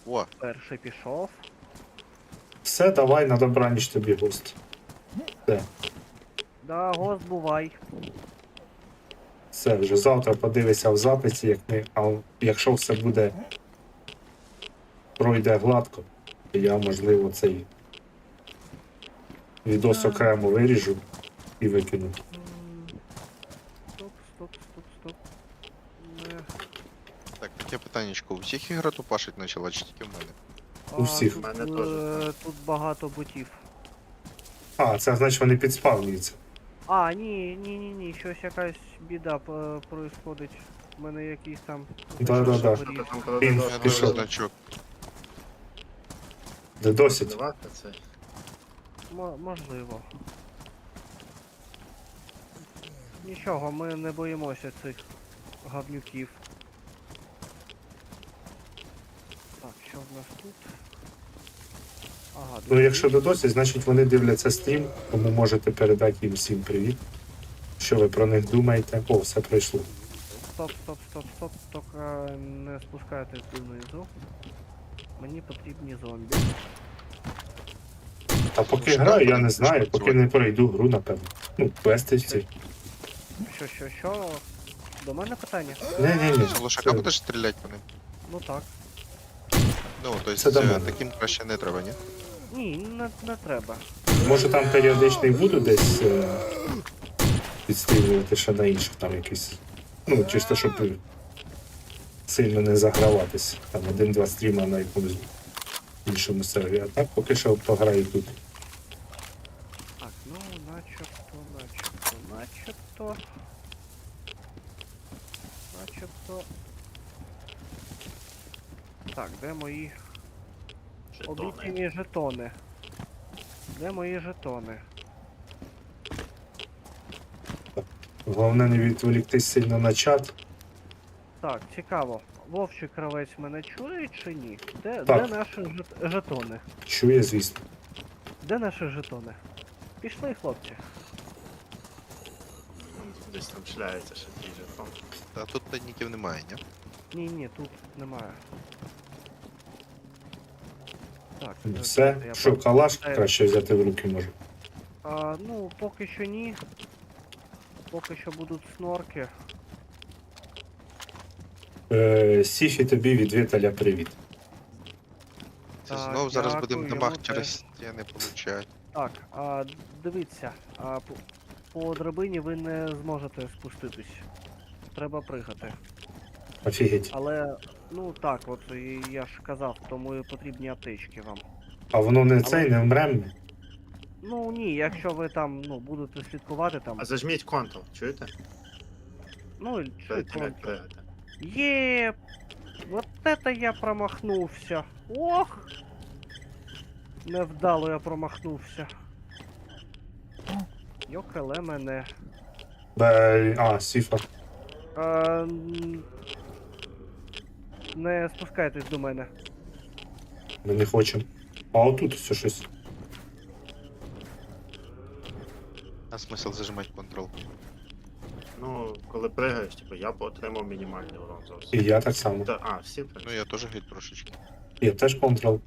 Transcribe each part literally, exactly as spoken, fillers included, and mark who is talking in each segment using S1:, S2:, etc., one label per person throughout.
S1: О,
S2: Перший пішов.
S3: Все, давай на добраніч тобі, гост. Все,
S2: Да, гост бувай.
S3: все, вже завтра подивися в записі, як ми, а якщо все буде пройде гладко, то я, можливо, цей відос окремо виріжу і викину.
S2: М, Стоп, стоп, стоп, стоп. Не.
S1: так, таке питаннячко. У всіх ігра тупашить почала, чи тільки в мене?
S3: У всіх.
S2: Тут,
S4: Мене
S2: е,
S4: теж.
S2: тут багато ботів.
S3: А, це значить вони підспавнюються.
S2: А, ні, ні, ні, ні, щось якась біда е, происходить. У мене якийсь там.
S3: Да-да-да.
S2: горіх.
S4: Що там, коли
S3: Він
S4: додому
S1: Я
S3: пішов.
S1: дуже значок.
S3: Де досить.
S4: подавати це.
S2: Мо- можливо. Нічого, ми не боїмося цих гавнюків. Так, що в нас тут? Ага,
S3: Ну, якщо до досить, значить вони дивляться стрім, тому можете передати їм всім привіт. Що ви про них думаєте? О, все пройшло.
S2: Стоп, стоп, стоп, стоп, тільки не спускайтесь донизу. Мені потрібні зомбі.
S3: А поки
S1: що,
S3: граю, я
S1: вони
S3: не знаю,
S1: почнуть
S3: поки
S1: звати.
S3: не пройду гру, напевно. Ну, квести ці.
S2: Що, що, що? До мене питання?
S3: Не-не-не.
S1: З лошака будеш стріляти по ним?
S2: Ну так.
S1: Ну, то
S3: Це до
S1: есть,
S3: мене.
S1: таким краще не треба, ні?
S2: Ні, не, не треба.
S3: Може там періодичний буду десь е, підстрілювати ще на інших там якісь. Ну, чисто, щоб сильно не заграватись. Там один-два стріма на якомусь іншому сервері. А так поки що пограю тут.
S2: Так, ну начебто, начебто, начебто. Начебто. Так, де мої
S4: Жетони.
S2: обіцяні жетони? Де мої жетони?
S3: Головне не відволіктись сильно на чат.
S2: Так, цікаво. Вовчий кравець мене чує чи ні? Де,
S3: Так.
S2: де наші жет- жетони?
S3: Чує, звісно.
S2: Де наші жетони? Пішли, хлопці.
S4: Десь там шляється ще твій жетон.
S1: Та тут тайників немає, ні?
S2: Ні, ні, тут немає. Так,
S3: Ну,
S2: е,
S3: все.
S2: я
S3: Що,
S2: про-
S3: калаш
S2: Е,
S3: краще взяти в руки може.
S2: А, ну, поки що ні. Поки що будуть снорки.
S3: Е, Сіфі тобі від Віталя привіт.
S1: Це
S2: Так,
S1: знов зараз
S2: дякую,
S1: будемо
S2: йому
S1: дамаг
S2: теж.
S1: через стіни получати.
S2: Так, а, дивіться, а, по, по драбині ви не зможете спуститись. Треба пригати.
S3: Офігеть.
S2: Але, ну так, от і я ж казав, тому і потрібні аптечки вам.
S3: А воно не
S2: Але-
S3: цей, не вмрем.
S2: Ну ні, якщо ви там, ну, будете слідкувати там.
S4: А зажміть Ctrl, чуєте?
S2: Ну, і чи
S4: Перед тим як
S2: контр-
S4: пригати.
S2: Є, вот это я промахнувся. Ох! Невдало я промахнувся. Йокеле мене.
S3: Бе... А, Сіфа.
S2: А, м, не спускайтесь до мене.
S3: Ми не хочемо. А отут все щось.
S1: А смисл зажимати Ctrl?
S4: Ну, коли пригаєш, типу, я б отримав мінімальний урон
S3: І
S4: зовсім.
S3: я так само.
S4: Та, а, всі в
S1: Ну
S4: принципі.
S1: я теж геть трошечки.
S3: Я теж контрол.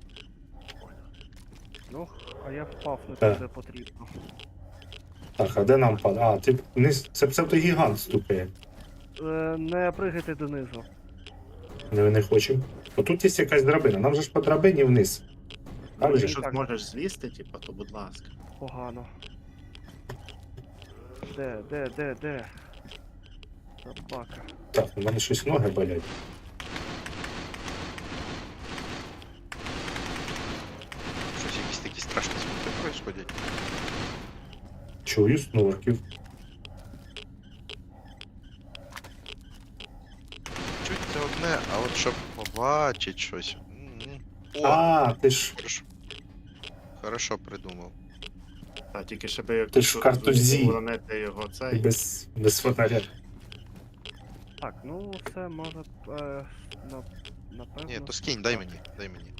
S2: Ну, а я впав не
S3: Так.
S2: туди потрібно.
S3: Так, а де нам пад? А, ти вниз. Це псевдогігант стукає.
S2: Е, не пригайте донизу.
S3: Ми не хочемо. Отут є якась драбина. Нам же ж по драбині вниз. Так
S4: Ну,
S3: же?
S4: якщо
S2: так.
S4: зможеш злізти, типу, то будь ласка.
S2: Погано. Де, де, де, де? Собака.
S3: Так, у мене щось ноги болять.
S1: Щось якісь такі страшні звуки происходять.
S3: Чую снорків.
S1: Чуть це одне, а от щоб побачить щось. М-м. О,
S3: А, ти ж.
S1: хорошо. Хорошо придумав.
S4: Та, тільки щоб як
S3: Ти ж в картузі.
S4: уронити його цей.
S3: Без, без фонаря.
S2: Так, ну це може. Е, на, напевно.
S1: Ні, то скинь, дай мені, дай мені.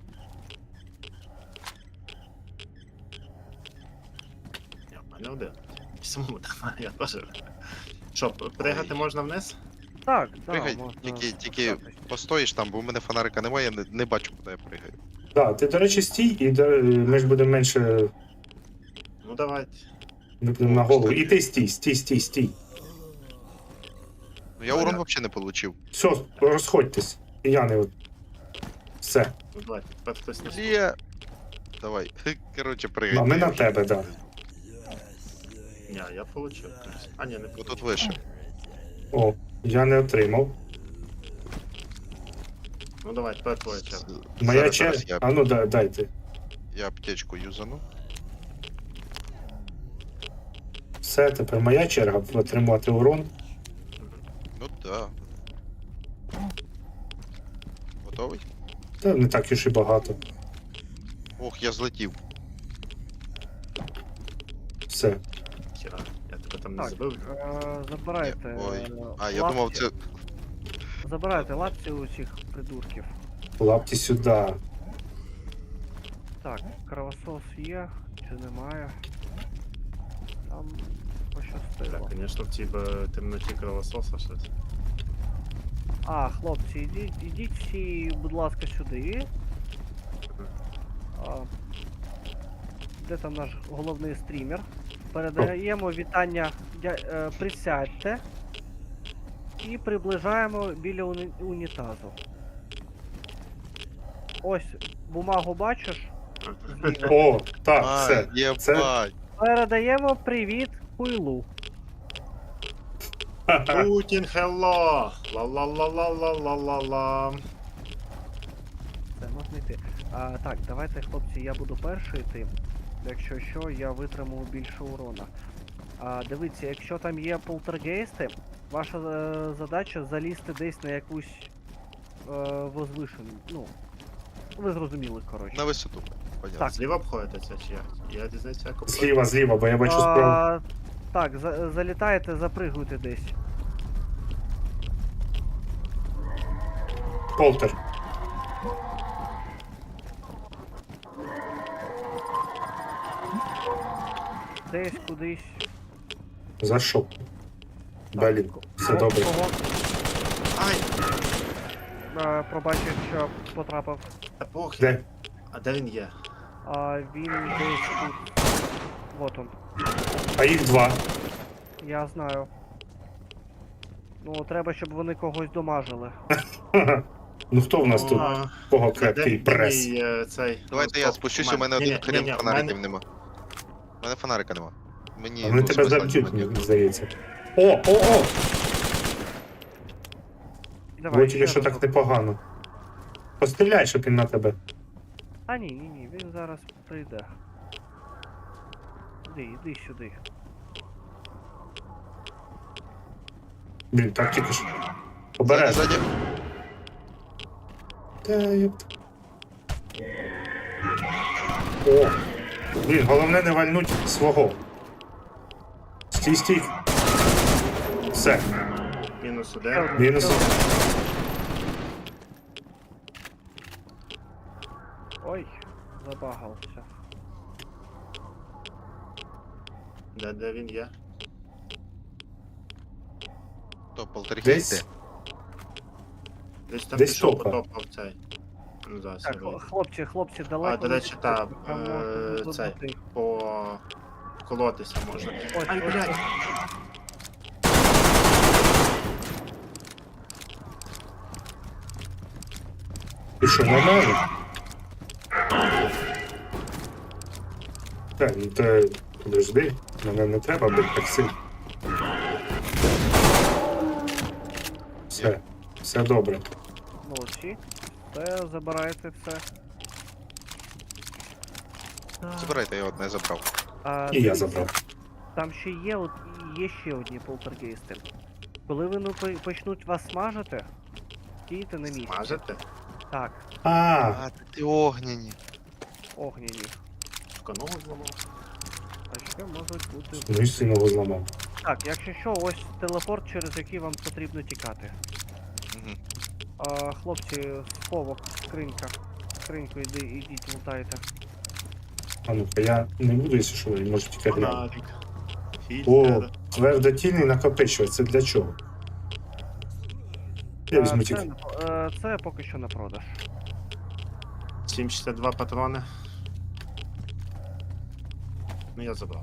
S4: Я в мене один. Самому давай, я теж. Що, пригати
S1: Ой.
S4: можна вниз?
S2: Так, так,
S1: Пригай,
S2: можна.
S1: тільки, тільки
S2: спускатись.
S1: постоїш там, бо у мене фонарика немає, я не, не бачу, куди я пригаю.
S3: Да, ти, до речі, стій, і до- ми ж будемо менше.
S4: Ну давайте.
S3: Ми будемо
S1: О,
S3: на голову.
S1: кстати.
S3: І ти стій, стій, стій, стій.
S1: Ну я урон взагалі не отримав.
S3: Все, розходьтесь. І я не от. Все.
S4: Ну давайте. Тепер хтось не
S1: Лє. Давай. Коротше, пригай.
S3: А ми
S1: ти
S3: на
S1: вже.
S3: тебе, да.
S4: Ні, я получив. А, ні, не
S1: Отут
S4: получив.
S1: вище.
S3: О, я не отримав.
S4: Ну давай, тепер твоя черга.
S3: Моя
S1: Зараз,
S3: черга.
S1: зараз я,
S3: А ну да, дайте.
S1: я аптечку юзану.
S3: Все, тепер моя черга отримувати урон.
S1: Ну да. Готовий?
S3: Та не так уж і багато.
S1: Ох, я злетів.
S3: Все.
S4: Хіра, я тебе там не
S2: Так,
S4: збив.
S2: е, забирайте.
S1: Ой.
S2: е,
S1: А, я
S2: лапці.
S1: думав, це.
S2: Забирайте лапці у цих придурків.
S3: Лапті сюди.
S2: Так, кровосос є, чи немає. Там пощастило.
S4: Так, звісно, в цій би темноті кровососа щось.
S2: А, хлопці, ідіть, ідіть всі, будь ласка, сюди. А, де там наш головний стрімер? Передаємо вітання, дя- е, присядьте і приближаємо біля уні- унітазу. Ось, бумагу бачиш? Зліва.
S3: О, так,
S1: А,
S3: все.
S1: єбать.
S2: Передаємо привіт хуйлу.
S4: Путін, хелло! Ла-ла-ла-ла-ла-ла-ла-ла.
S2: Це можна йти. А, так, давайте, хлопці, я буду перший йти. Якщо що, я витримую більше урона. А, дивіться, якщо там є полтергейсти, ваша е, задача залізти десь на якусь е, возвишену. Ну, ви зрозуміли, коротше.
S1: На висоту. Понятно.
S2: Так.
S4: Зліва обходите це чи як? Я дізнаюся, як обходити.
S3: Зліва, зліва, бо я бачу справу.
S2: А, так, за, залітаєте, запригуйте десь.
S3: Полтер.
S2: Десь кудись.
S3: Зайшов. Блін, все
S2: Кого-
S3: добре.
S2: кого,
S4: Ай!
S2: е, пробачив, що потрапив.
S4: Та похер.
S3: Де?
S4: А де він є?
S2: А, він десь тут. Вот он.
S3: А їх два.
S2: Я знаю. Ну, треба, щоб вони когось домажили.
S3: Ха-ха. Ну хто в нас тут?
S4: А,
S3: Кого
S4: де-
S3: крепкий
S4: де
S3: прес?
S4: мій, е, цей?
S1: Давайте
S4: Ну,
S1: я
S4: стоп,
S1: спущусь, у мене
S4: Ні,
S1: один
S4: ні,
S1: хрен
S4: ні,
S1: фонариків
S4: в мене-
S1: нема. У мене фонарика нема. Мені.
S3: А вони
S1: ну,
S3: тебе
S1: смисла
S3: заб'ють,
S1: немає.
S3: мені здається. О, о, о!
S2: Давай,
S3: Бо тільки
S2: ще
S3: що так
S2: разок.
S3: непогано. Постріляй, щоб він на тебе.
S2: А ні, ні, ні, він зараз прийде. Іди, іди сюди.
S3: Блін, так тільки ж.
S1: Ззаді,
S3: Обережно.
S1: ззаді.
S3: Та єпт. О! Блін, головне не вальнуть свого. Стій, стій. Все,
S4: Мінус
S2: Ще
S4: один.
S2: один,
S3: мінус.
S2: ще один. Ой, забагався.
S4: Де, де він є?
S1: То полтергейст
S3: Десь.
S1: де?
S4: Десь там
S3: Десь
S4: пішов,
S3: топа.
S4: потопав цей. Ну, зараз я
S2: Так,
S4: вийду.
S2: хлопці, хлопці, далеко.
S4: А, до
S2: не
S4: речі,
S2: підходьте,
S4: та,
S2: там можна
S4: е,
S2: буде
S4: цей.
S2: бути.
S4: По... Колотися можна.
S2: Ось,
S4: Ай,
S2: ось,
S4: блядь!
S2: ось.
S3: Ти що, нормально? Так, ну то подожди, мене не треба бити так сильно. Все, все добре.
S2: Молодці. Все, забирайте все. Так,
S1: Забирайте, я одне забрав.
S2: а,
S3: І я
S2: дивіться,
S3: забрав.
S2: Там ще є, от, є ще одні полтергейсти. Коли вони по- почнуть вас смажити, стійте на місці.
S4: Смажете?
S2: Так,
S3: А,
S1: А, ти огняні.
S2: огняні.
S4: Шканогу зламав?
S2: А ще можуть бути.
S3: ну і сильного зламав.
S2: Так, якщо що, ось телепорт, через який вам потрібно тікати.
S1: Угу.
S2: А, хлопці, сховок, скринька. Скриньку йди, ідіть, лутайте.
S3: А ну-ка, я не буду, якщо що, я можу тільки глянути.
S4: Фонарик.
S3: О,
S4: Фільтр.
S3: твердотільний накопичувач, це для чого? Я
S2: Е,
S3: візьму
S2: це,
S3: тільки.
S2: е, це поки що на продаж.
S4: сім шістдесят два патрони. Ну я забрав.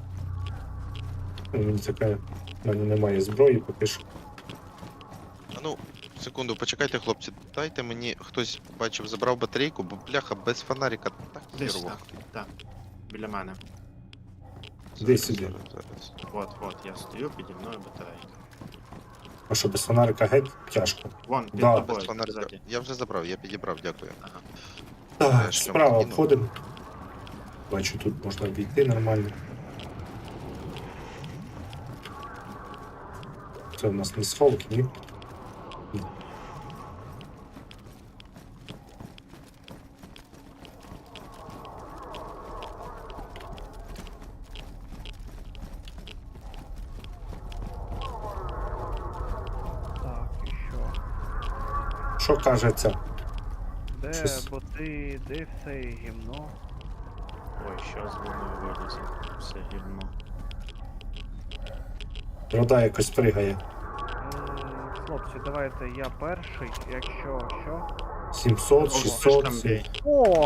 S3: Мені таке. В мене немає зброї, поки що.
S1: А ну, секунду, почекайте, хлопці. Дайте мені хтось бачив, забрав батарейку, бо бляха без фонарика так
S4: Десь
S1: хірово.
S4: так, так. Біля мене.
S3: Іди
S1: Зараз,
S3: сюди.
S1: зараз, зараз.
S4: От, от, я стою, піді мною батарейка.
S3: А що без фонарика геть тяжко.
S4: Вон, під
S3: Да,
S4: тобою,
S1: Без фонарика.
S4: ззаді.
S1: Я вже забрав, я підібрав, дякую.
S4: Ага.
S3: Так,
S1: Я шлем
S3: справа
S1: скину.
S3: обходимо. Бачу, тут можна обійти нормально. Це у нас не сховки, ні? Ні.
S2: Так, і що?
S3: Що каже ця?
S2: Де
S3: Щось-
S2: боти, де все гімно?
S4: Ой, що з воно вилізе. Все гівно.
S3: Рода якось пригає.
S2: М, Хлопці, давайте я перший, якщо що.
S3: сімсот,
S4: Ого,
S3: шістсот.
S4: там
S3: сім-
S4: бій.
S2: О!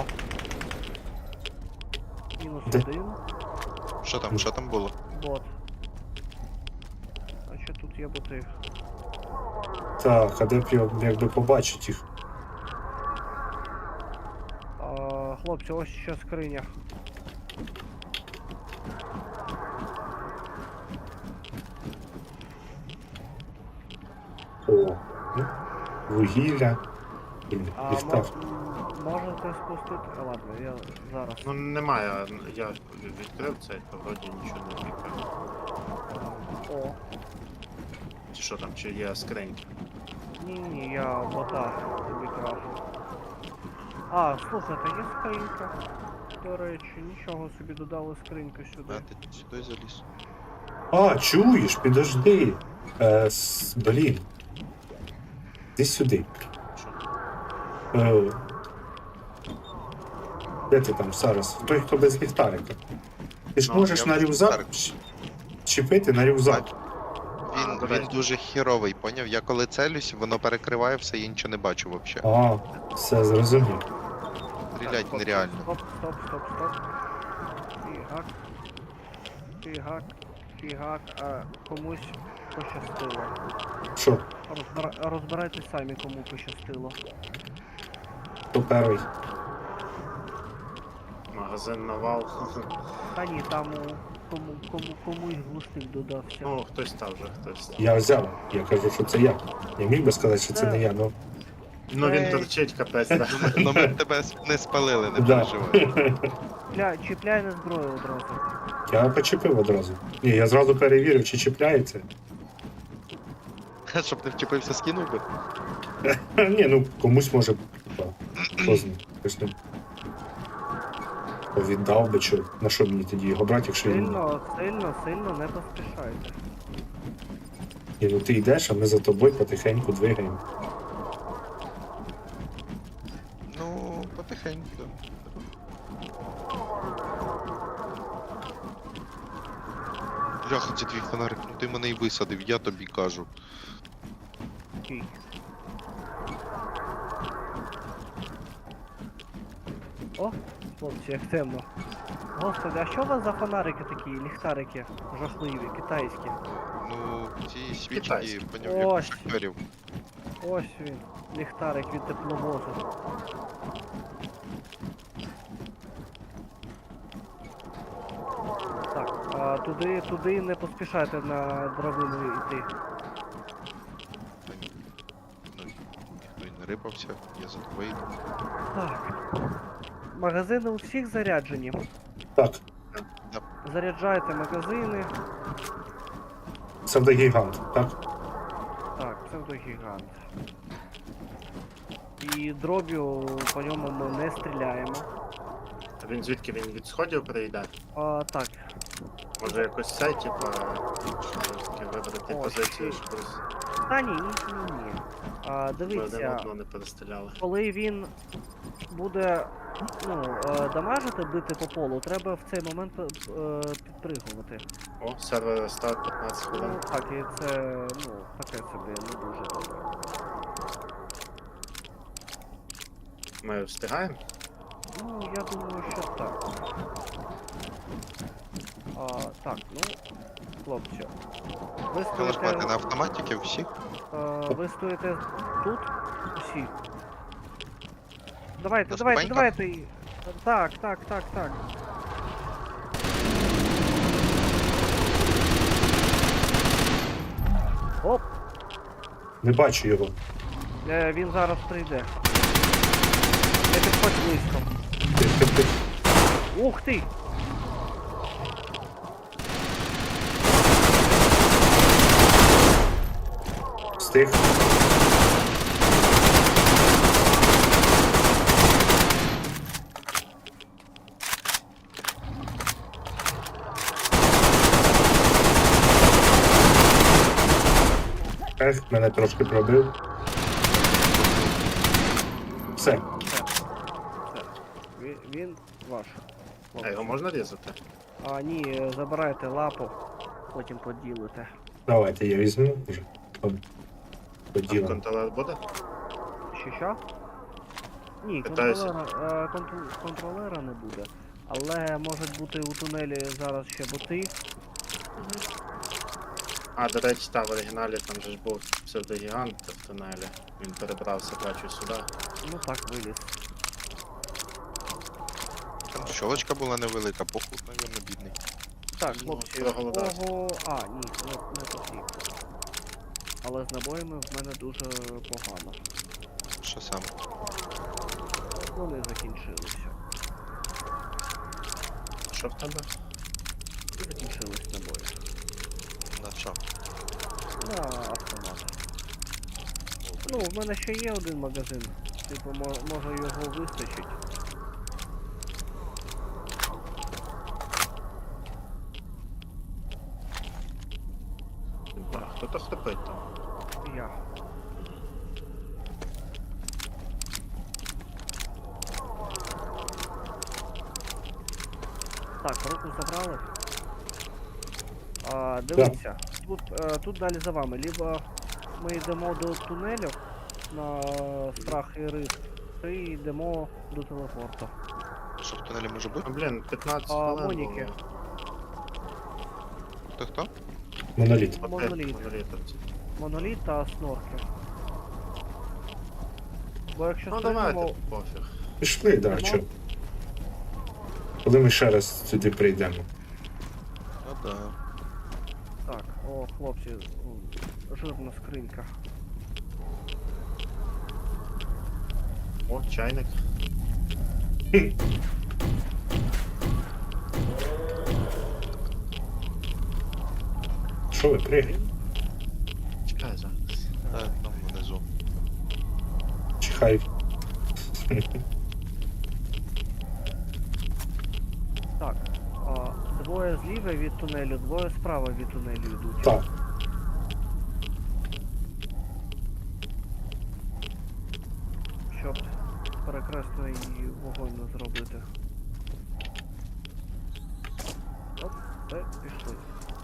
S2: Мінус
S3: Де?
S2: один,
S1: Що там, що там було?
S2: бот. А що тут є боти?
S3: Так, а де б його якби побачить їх?
S2: А, хлопці, ось ще скриня.
S3: О, ну, вугілля. Блін,
S2: А
S3: ліхтар.
S2: мо- м, можете спустити. А, ладно, я зараз.
S4: Ну немає, я відкрив цей, то вроді нічого не відкрив.
S2: О,
S4: Чи що там, чи є скриньки?
S2: ні, ні, я бота тобі кажу. А, слухайте, є скринька. До речі, нічого собі додали скриньку
S1: А,
S2: сюди.
S1: ти сюди заліз.
S3: А, чуєш, підожди. Е, с- блін. Іди сюди.
S4: Що?
S3: Е, де ти там зараз? Той, хто без ліхтарика. Ти ж
S4: Ну,
S3: можеш
S1: я
S3: на
S1: без
S3: рюкзак
S1: ліхтарика.
S3: ч- чіпити на рюкзак.
S1: Він,
S4: А, до
S1: він
S4: речі.
S1: дуже хіровий, поняв? Я коли целюсь, воно перекриває все, я нічого не бачу взагалі.
S3: А, все зрозумів.
S1: Стрілять
S2: стоп,
S1: нереально.
S2: Стоп, стоп, стоп, стоп. Фігак. Фігак. Фігак, а комусь пощастило.
S3: Що,
S2: Розбира... Розбирайтесь самі, кому пощастило.
S3: хто перший?
S4: Магазин навал.
S2: Та ні, там у кому, кому, комусь глушник додався.
S4: Ну, хтось став вже, хтось став.
S3: Я взяв. Я кажу, що це я. Я міг би сказати, що це не я, ну.
S4: Ну він
S2: Ей.
S4: торчить капець, так.
S1: Ну ми тебе с- не спалили, не
S3: Да.
S1: переживай.
S2: Чіпляй, чіпляй на зброю одразу.
S3: Я почепив одразу. Ні, я зразу перевірив, чи чіпляється.
S1: Щоб не вчепився, скинув би.
S3: Ха, ні, ну комусь може. Типа, хто знає. Хтось не віддав би, що, на що мені тоді його брати, якщо він.
S2: Сильно, сильно, сильно не поспішайте.
S3: Ні, ну ти йдеш, а ми за тобою потихеньку двигаємо.
S1: Ну, потихеньку. да. Бляха, це твій фонарик, ну ти мене і висадив, я тобі кажу.
S2: Окей. О, хлопці, як темно. Господи, а що у вас за фонарики такі, ліхтарики жахливі, китайські?
S1: Ну, ці свічки,
S4: Китайські.
S1: поняв, як у
S2: Ось.
S1: шахтерів.
S2: Ось він, ліхтарик від тепловозу. Так, а туди, туди не поспішайте на драбину йти.
S1: Та ні. Ну, ніхто й не рипався, я за тобою йду.
S2: Так. Магазини у всіх заряджені.
S3: Так,
S2: Заряджайте магазини.
S3: псевдогігант, так?
S2: Так, псевдогігант. І дроб'ю по ньому ми не стріляємо.
S4: А він звідки він від сходів прийде?
S2: А, так,
S4: Може якось це, типа, щоб таки вибрати
S2: О,
S4: позицію,
S2: щит.
S4: щоб роз-
S2: та ні, ні, ні, ні. А,
S4: щоб один
S2: дивіться,
S4: одного не перестріляли.
S2: коли він буде ну, е, дамажити, бити по полу, треба в цей момент е, підпригувати.
S4: О, сервер старт п'ятнадцять
S2: Ну,
S4: хвилин.
S2: так, і це, ну, таке собі не дуже добре.
S4: Ми встигаємо?
S2: Ну, я думаю, що так. А, так, ну, хлопці. Ви
S1: Калашмати
S2: стоїте,
S1: на автоматики всі?
S2: е, ви стоїте тут усі. Давайте,
S1: На
S2: давайте,
S1: ступеньках?
S2: давайте. і- Так, так, так, так. Оп,
S3: Не бачу його.
S2: е, він зараз прийде. Не підходь близько.
S3: Тих, тих, тих.
S2: Ух ти!
S3: Встиг. Ех, мене трошки пробив. Все.
S2: Все. Все. Він, він ваш.
S4: А його можна різати?
S2: А, ні, е, забирайте лапу, потім поділите.
S3: Давайте я візьму вже. По-
S4: А
S3: Поділимо.
S4: контролер буде?
S2: Що що? Ні,
S4: Питаюся.
S2: контролера, е, контр- контролера не буде. Але можуть бути у тунелі зараз ще боти.
S4: А, до речі, та в оригіналі там же ж був псевдогігант в тунелі. Він перебрався, бачу, сюди.
S2: Ну так, виліз.
S1: Там щолочка була невелика, похуй, навірно, бідний.
S2: Так,
S4: Ну,
S2: хлопці,
S4: проголодався.
S2: кого... А, ні, не, не потрібно. Але з набоями в мене дуже погано.
S1: Що саме?
S2: Вони закінчилися.
S4: Що в тебе?
S2: Закінчились набої.
S1: На що?
S2: На автомат. Ну, в мене ще є один магазин. Типу, мо- може його вистачить.
S4: А, хто-то хрипить там.
S2: Я. Так, руку забрали. А, дивіться, тут, е, тут далі за вами. Либо ми йдемо до тунелю на страх і риск, і йдемо до телепорту.
S1: Що в тунелі може бути?
S4: Ну, блін, п'ятнадцять
S2: А,
S4: хвилин
S2: Моніки.
S4: було.
S1: Хто хто?
S3: Моноліт.
S4: Опять
S2: Моноліт.
S4: монолітовці.
S2: Моноліт та снорки. Бо якщо
S4: Ну
S2: стрельнемо,
S4: давайте, пофіг.
S3: Пішли, да,
S2: Нема?
S3: чо. Коли ми ще раз сюди прийдемо.
S1: Ну да.
S2: так, о, хлопці, м, жирна скринька.
S4: О, чайник.
S3: Що ви пригаєте?
S4: Чекай зараз.
S1: Так, там внизу.
S3: Чихай.
S2: Так, а, двоє зліва від тунелю, двоє справа від тунелю йдуть.
S3: Так.
S2: Щоб перекресний вогонь не зробити. Оп, все, пішли.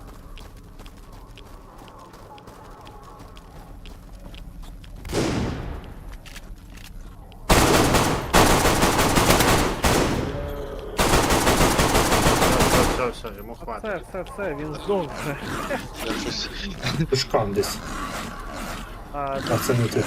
S4: Все, все, все, йому
S2: Все,
S4: хватить.
S2: все, все, він здох вже.
S1: Я щось...
S3: Тушкан десь.
S2: А,
S3: А це не ти.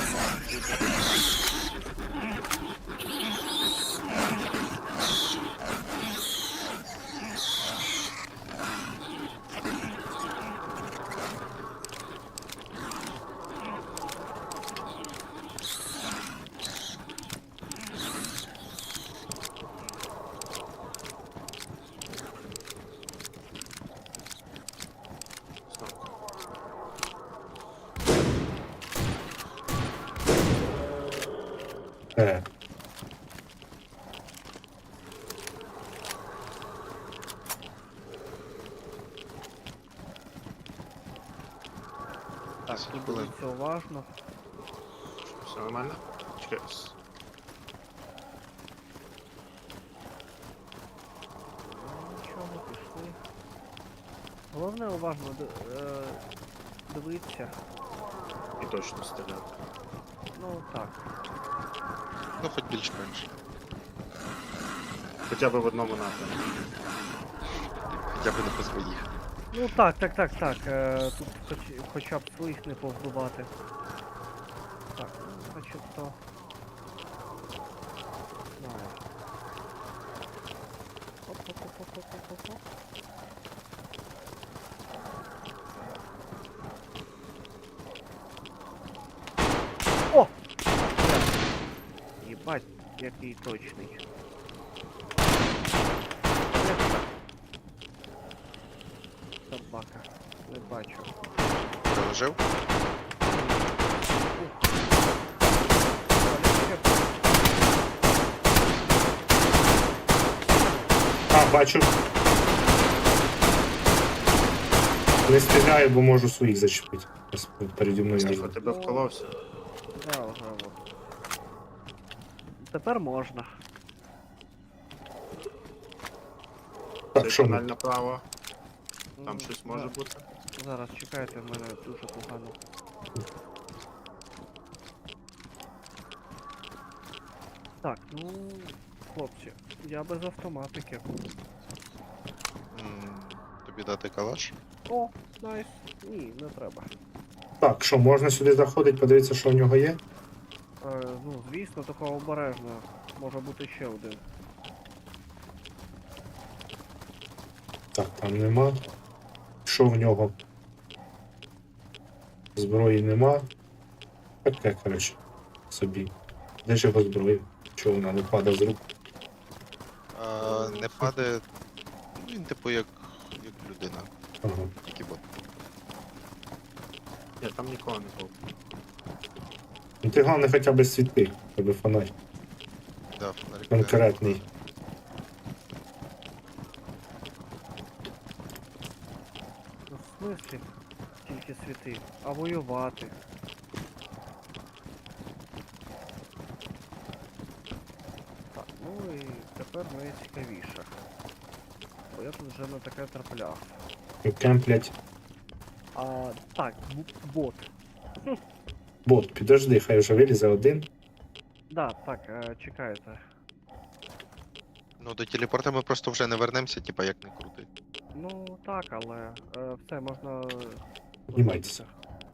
S3: Е,
S2: так,
S1: Десять
S2: тут
S1: хвилин.
S2: дивіться уважно.
S4: Все нормально? Чекай.
S2: Нічого, пішли. Головне уважно д- е, дивитися.
S4: І точно стріляти.
S2: Ну так.
S1: Ну, хоч більш-менш.
S4: Хоча б в одному напрямку.
S1: Хоча б не по своїх.
S2: Ну так, так, так, так. Е, тут хоч, хоча б своїх не повбивати. Так, ну, значить то. Знаю. Оп-оп-оп-оп-оп-оп-оп. О! Єбать, який точний. Де це? Собака. Не бачу.
S1: Переложив?
S3: А, бачу. Не стріляю, бо можу своїх зачепити. Ось переді мною.
S4: Тихо,
S3: аж.
S4: тебе вколовся.
S2: Да, вже от. Тепер можна.
S3: Так,
S4: Це
S3: що
S4: каналь
S3: ми?
S4: направо. Там
S2: М,
S4: щось може
S2: да.
S4: бути.
S2: Зараз чекайте, в мене дуже погано. Так, ну, хлопці, я без автоматики.
S1: М, Тобі дати калаш?
S2: О, найс. Ні, не треба.
S3: Так, що, можна сюди заходити, подивитися, що в нього є?
S2: Е, ну, звісно, такого обережно. Може бути ще один.
S3: Так, там нема. Що в нього? Зброї нема. Таке, коротше, собі. Де ж його зброя? Чого вона не падає з рук?
S1: А, не падає. Ну, він типу як, як людина,
S3: Ага.
S1: тільки бот.
S4: Ні, там нікого не було.
S3: Ну ти головне хоча б світи, тебе фонарь.
S1: Да, фонарик.
S3: Конкретний.
S2: Ну, в смислі? Тільки світи. А воювати. Так, ну і тепер найцікавіше. Бо я тут вже на таке трапляв.
S3: І кемплять.
S2: А, так, б- бот.
S3: Бот, підожди, хай вже вилізе один.
S2: Да, так, е, чекайте.
S1: Ну, до телепорта ми просто вже не вернемося, типа як не крути.
S2: Ну так, але е, все можна.
S3: Піднімайтеся.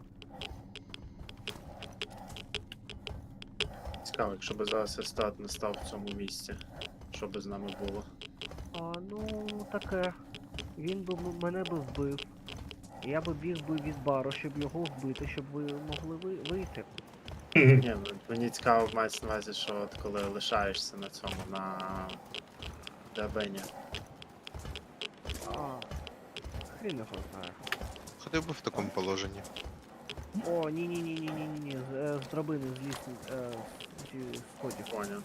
S4: Цікаво, якщо б зараз Естат не став в цьому місці. Що би з нами було?
S2: А, ну таке. Він би м- мене би вбив. Я би біг би від бару, щоб його вбити, щоб ви могли ви вийти.
S3: Мгм.
S4: Ні, ну, мені цікаво мається на увазі, що от коли лишаєшся на цьому, на драбині.
S2: А, хрін його знає.
S1: Ходив би в такому положенні.
S2: О, ні ні ні ні ні ні ні з, е, з драбини зліз е, зі сходів.
S4: Поняв.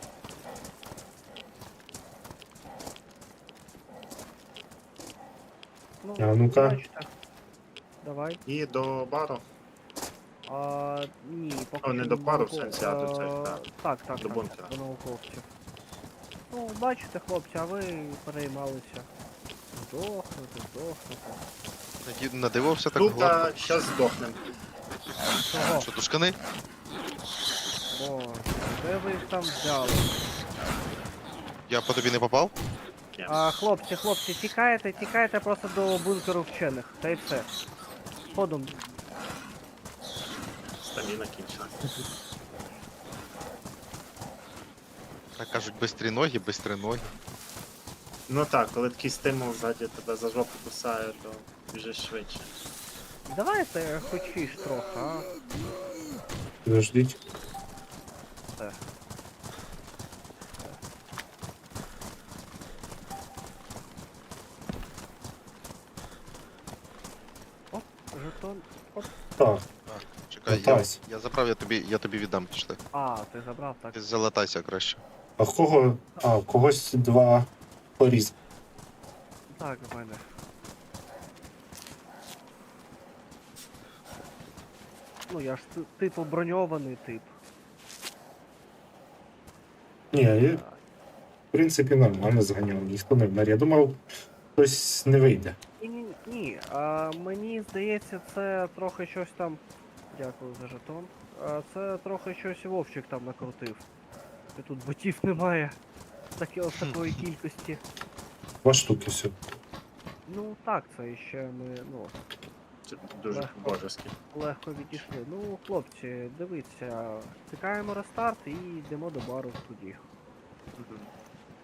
S2: Ну,
S3: А ну-ка.
S2: бачите. Давай.
S4: І до бару.
S2: А, ні, поки
S4: О, не
S2: що
S4: до пару, в
S2: науко-
S4: сенсі, а до цих,
S2: е,
S4: так.
S2: Так, так,
S4: До
S2: так,
S4: бункера.
S2: до науковців. Ну, бачите, хлопці, а ви переймалися. Здохнути, здохнути.
S1: Наді- Надивився так
S4: Тут
S1: гладко.
S4: а, щас здохнем.
S2: Чого?
S1: Що, тушкани?
S2: О, де ви їх там взяли?
S1: Я по тобі не попав?
S4: Ні.
S2: А, хлопці, хлопці, тікайте, тікайте просто до бункеру вчених. Та й все. Ходом.
S4: Стаміна кінчена.
S1: Так кажуть, бистрі ноги, бистрі ноги.
S4: Ну так, коли такий стимул ззаді тебе за жопу кусає, то біжиш швидше.
S2: Давайте хочеш трохи, а?
S3: Підождіть.
S2: Все. Оп, жетон. Оп.
S3: Так,
S1: А, чекай, я,
S3: Латайся.
S1: я забрав, я тобі, я тобі віддам, пішли.
S2: А, ти забрав, так.
S1: Ти залатайся краще.
S3: а в кого. А, в когось два поріз.
S2: Так, в мене. Ну, я ж ти- типу броньований тип.
S3: Ні, я, в принципі, нормально зганяв, ніхто не вмер. Я думав, хтось не вийде.
S2: Ні, ні, ні. А, мені здається, це трохи щось там Дякую за жетон. А це трохи щось Вовчик там накрутив. І тут ботів немає. Такі ось такої кількості.
S3: Два штуки все.
S2: Ну так, це ще ми ну,
S4: Це дуже
S2: Легко.
S4: божески.
S2: легко відійшли. Ну, хлопці, дивіться, чекаємо рестарт і йдемо до бару в тоді.
S4: Мгм.